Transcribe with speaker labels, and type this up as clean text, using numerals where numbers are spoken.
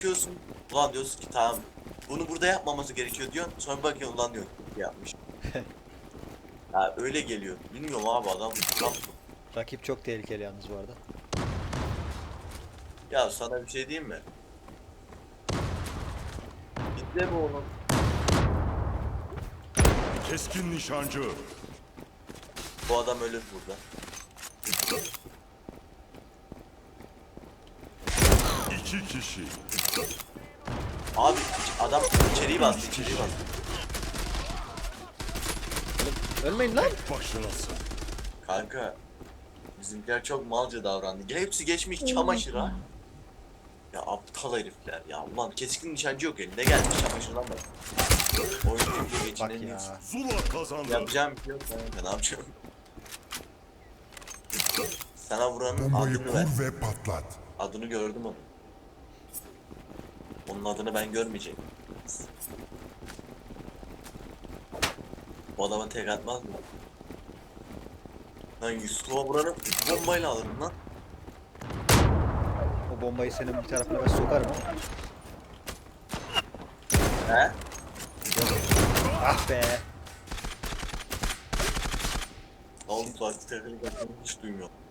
Speaker 1: Diyorsun. Ulan diyorsun ki tamam. Bunu burada yapmaması gerekiyor diyorsun. Sonra bakıyorsun ulan diyor yapmış. Ya öyle geliyor. Bilmiyorum abi adam.
Speaker 2: Rakip çok tehlikeli yalnız bu arada.
Speaker 1: Ya sana bir şey diyeyim mi? Bizde mi oğlum?
Speaker 3: Keskin nişancı.
Speaker 1: Bu adam ölür burada.
Speaker 3: İki kişi.
Speaker 1: Abi adam içeriği bastı, içeriği bastı.
Speaker 2: Ölmeyin lan.
Speaker 3: Başınasın.
Speaker 1: Kanka bizimkiler çok malca davrandı. Hepsi geçmiş çamaşıra. Ya aptal herifler ya. Ulan keskin nişancı yok elinde gelmiş çamaşırdan bak. Oyuncu diye
Speaker 2: Bak
Speaker 1: geçinemiyorsun.
Speaker 2: ya.
Speaker 3: Zula kazandı.
Speaker 1: Yapacağım bir şey yok. Ben ne yapacağım? Sana vuranın
Speaker 4: Bombayı
Speaker 1: adını ver.
Speaker 4: kur ve patlat.
Speaker 1: Adını gördüm onu. Onun adını ben görmeyecektim. Bu adama tek atmaz mı? Lan Yusuf'a vuranı bombayla alırım lan.
Speaker 2: O bombayı senin bir tarafına ben sokarım ama.
Speaker 1: He?
Speaker 2: Ah be.
Speaker 1: Oğlum plastik teknik hiç duymuyorum.